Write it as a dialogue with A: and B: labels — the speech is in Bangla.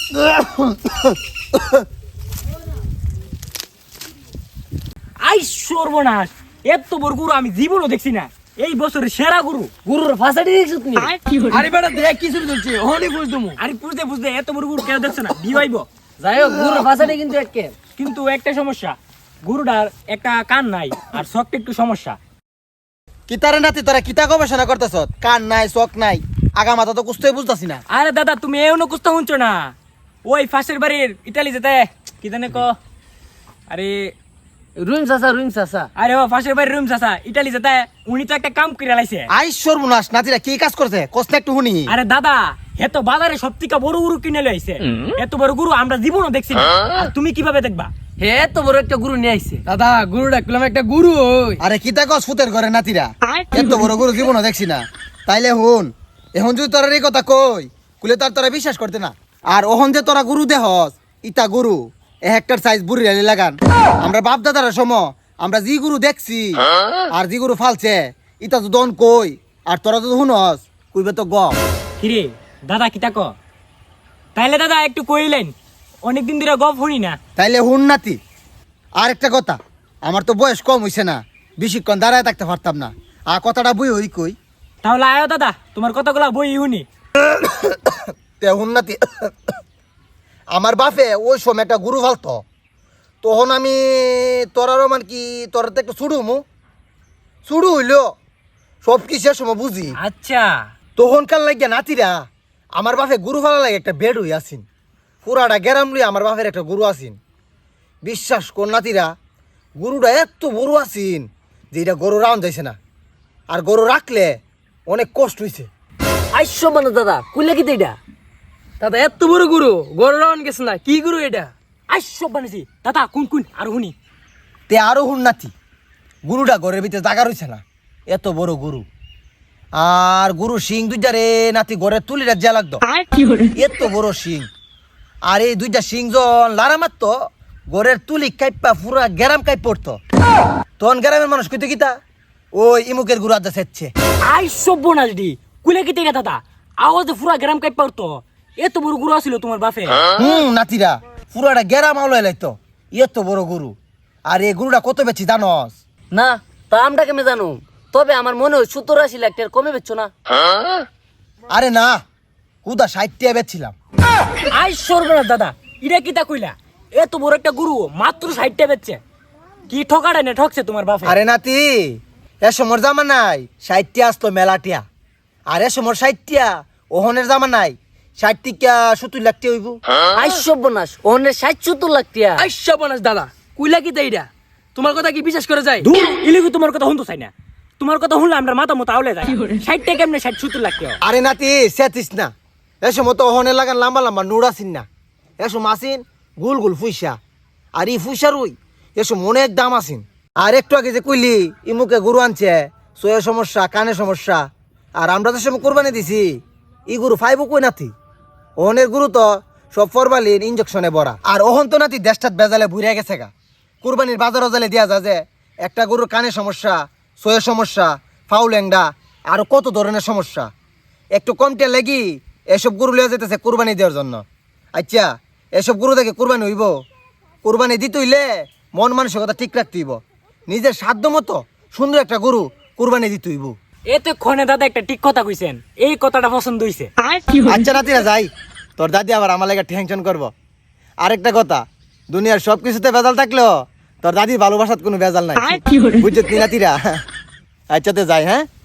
A: আই সর্বনাশ, এত বড় গরু আমি জীবনও দেখছি না। এই বছরের সেরা গরু।
B: গরুর ফাঁসাটি দেখছো তুমি?
C: আরে বেটা দেখ কি শুরু করছে, হনি বুঝ তুমি।
A: আরে বুঝতে বুঝতে এত বড় গরু কেউ দেখছে না, বিবাইব।
B: যাই হোক, গরুর ফাঁসাটি কিন্তু একে।
A: কিন্তু একটা সমস্যা, গরুটার একটা কান নাই আর চোখটা একটু সমস্যা।
D: কিতারে নাতি তোরা কিতা গবেষণা করতেছ? কান নাই, চোখ নাই, আগা মাথা তো কুছতেই বুঝতাছি না।
A: আরে দাদা তুমি এমন কুস্তা শুনছো না? ওই ফাঁসের বাড়ির ইটালি যেতে কি জানে ক, আরে
B: রুইম চাচা।
A: আরে ও ফাঁসের বাড়ির রুম চাচা ইটালি যেতে, উনি তো একটা কাম করে লাইছে।
D: আই সর্বনাশ, নাতিরা কি কাজ করছে কষ্ট একটু শুনি।
A: আরে দাদা এত বাজারে সব থেকে বড় গরু কিনে লইছে। এত বড় গরু আমরা জীবনও দেখছি না। আর তুমি কিভাবে দেখবা?
B: হে তো বড় একটা গরু নিয়ে আইছে।
C: দাদা গুরু ডাকলাম, একটা গুরু ওই।
D: আরে কিতা কস ফুতের ঘরে নাতিরা, এত বড় গরু জীবনও দেখছি না। তাইলে হুন, এখন যদি তোরা এই কথা কই কুলে তার তোরা বিশ্বাস করতে না। আর ওহন যে তোরা গরু দেহস, ইতা গরু হেক্টর সাইজ বুড়ি রালি লাগান। আমরা বাপ দাদার সময় আমরা জি গরু দেখছি আর জি গরু ফালছে, ইতা তো দন কই। আর তোরা যদি শুনস কইবে তো গ।
A: কিরে দাদা কিতা ক? তাইলে দাদা একটু কইলেন, অনেকদিন ধরে গপ শুনি না।
D: তাইলে হুন নাতি, আর একটা কথা, আমার তো বয়স কম হইছে না, বেশিক্ষণ দাঁড়ায় থাকতে পারতাম না। আর কথাটা বই হই কই।
A: তাহলে আয়ো দাদা, তোমার কতগুলা বই শুনি।
D: তে হুন নাতি, আমার বাপে ওই সময় একটা গরু ফালতো, তখন আমি তোরারও মানে কি তোরা তো একটু ছুড়ু হইলো সব কিছু সময় বুঝি।
A: আচ্ছা
D: তখনকার লাগিয়া নাতিরা আমার বাপে গরু ফালা লাগে একটা বেড হই আসিন, পুরাটা গেরাম লই আমার বাপের একটা গরু আসিন। বিশ্বাস কর নাতিরা, গরুটা এত বড় আসিন যে এটা গরু রাউন যাইছে না, আর গরু রাখলে অনেক কষ্ট হইছে।
B: আইসো মানে দাদা কুলে কি এটা?
C: দাদা এত বড় গুরু, গরু রাউন গেছে না, কি গুরু এটা?
A: আই সব বানিয়েছি দাদা, কোন কোন আর শুনি।
D: তে আরো হুন নাতি, গরুটা ঘরের ভিতরে জাগা রইছে না, এত বড় গরু। আর গরু শিং দুইটা রে নাতি ঘরের তুলিটা যা লাগতো, এত বড় শিং। আর এই দুইটা শিং জন লারা মারতো, ঘরের তুলি কাইপা পুরা গ্যারাম কাইপ পড়তো। তখন গ্রামের মানুষ কইতে কিতা, ওই ইমুকের গরু আদা সেচ্ছে।
A: আই সব বোনাস দি কুলে কি তেরা দাদা, আওয়াজে পুরা গ্রাম কাই পারতো। এত বড় গরু আছিল তোমার বাপে?
D: নাতিরা পুরাটা গ্যারাম আওলাই লাইতো, এত বড় গরু। আর এই গরুটা কত বেচি জানস?
B: না তা আমরা কেমনে জানো, তবে আমার মনে হয় 70-80 লাখ টাকার কমে বেচছো না?
D: আরে না, হুদা 60 টাকা বেচছিলাম।
A: আই সর্বনাশ দাদা, ইটা কিতা কইলা? এত বড় একটা গরু মাত্র 60 টাকা বেচছে, কি ঠকাড়ে না ঠকছে তোমার বাপে?
D: আরে নাতি, এ সমর জামা নাই 60 টাকা আসতো মেলাটিয়া, আর এ সমর 60 টাকা ওহনের জামা নাই 60 টাকা 70 লাখ টাকা হইব।
B: আইসো বোনাস ওনে 60-70 লাখ টাকা।
C: আইসা বনাস দাদা, কুইলা কি এইটা? তোমার কথা কি বিশ্বাস করা যায়?
A: দূর ইলিগু, তোমার কথা শুনতে চাই না। তোমার কথা শুনলে আমরা মাথা মতো আউলে যায়। 60 টাকা কেমনে 60-70 লাখ টাকা?
D: আরে নাতি সেতিস না, এ সময় তো ওহনের লাগান লম্বা লম্বা নুড় আসিন না, এ সময় আসিন গুল গুল ফুইসা। আর ই ফুইসার ওই এসব অনেক দাম আসিন। আর একটু আগে যে কইলি ইমুকে গরু আনছে, সোয়ের সমস্যা, কানের সমস্যা, আর আমরা তো সময় কোরবানি দিছি, ই গরু ফাইবো কই নাতি। ওহনের গরু তো সব ফরমালিন ইঞ্জেকশনে ভরা। আর ওহন তো নাতি দেশটাত বেজালে বুড়িয়া গেছে গা। কোরবানির বাজার জালে দিয়া যায় যে একটা গরুর কানের সমস্যা, সোয়ের সমস্যা, ফাউল্যাংডা, আরো কত ধরনের সমস্যা। একটু কমতে লাগি এসব গরু লিয়ে যেতেছে কোরবানি দেওয়ার জন্য। আচ্ছা এসব গরু দেখে কোরবানি হইব? কোরবানি দিতে হইলে মন মানসিকতা ঠিক রাখতে হইব, নিজের সাধ্য মতো সুন্দর একটা গরু কোরবানি দিতে হইব।
A: এতে ক্ষণে দাদা একটা ঠিক কথা কইছেন, এই কথাটা পছন্দ হইছে।
D: আচ্ছা নাতিরা যাই, তোর দাদি আবার আমার লাগে টেনশন করবো। আরেকটা কথা, দুনিয়ার সব কিছুতে ভেজাল থাকলেও তোর দাদির ভালোবাসার কোনো ভেজাল নাই, বুঝছো নাতিরা? আচ্ছা তো যাই, হ্যাঁ।